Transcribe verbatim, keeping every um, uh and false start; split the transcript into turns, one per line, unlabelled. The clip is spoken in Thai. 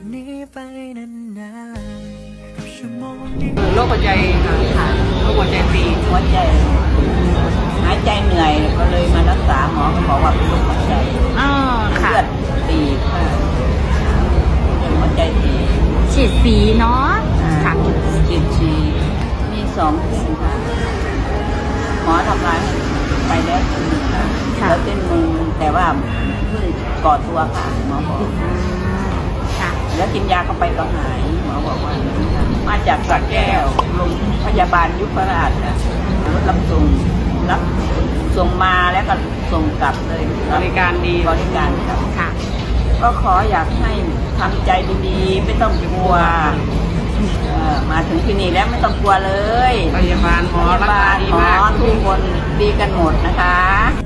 นี้ไปนานๆกับชั่วโมงนี้
โรคหัวใจค่ะโรคหัวใจตีบ
หัวใจหายใจเหนื่อยก็เลยมารักษาหมอเขาบอกว่าเป็นโรคหัวใจ
อ๋อค่ะ
เลือดตีบค่ะเป็นหัวใจตีบ
ฉีดสีเนาะค่ะ
ฉีดชีมีสองเส้นค่ะหมอทำลายไปแล้วเส้นหนึ่งค่ะแล้วเส้นมือแต่ว่าเพิ่งก่อตัวค่ะหมอบอก
ค่ะ
แล้วกินยาเข้าไปก็หายหมอบอกว่ามาจากสระแก้วโรงพยาบาลยุพราชนะรถรับส่งรับส่งมาแล้วก็ส่งกลับเลย
บริการดี
บริการครับ
ค่ะ
ก็ขออยากให้ทำใจดีๆไม่ต้องกลัวเอ่อมาถึงที่นี่แล้วไม่ต้องกลัวเลย
พยาบาลหมอ
พยา
รัก
บา
ษา
ล
ดี
หมอ
มาก
ทุกคนดีกันหมดนะคะ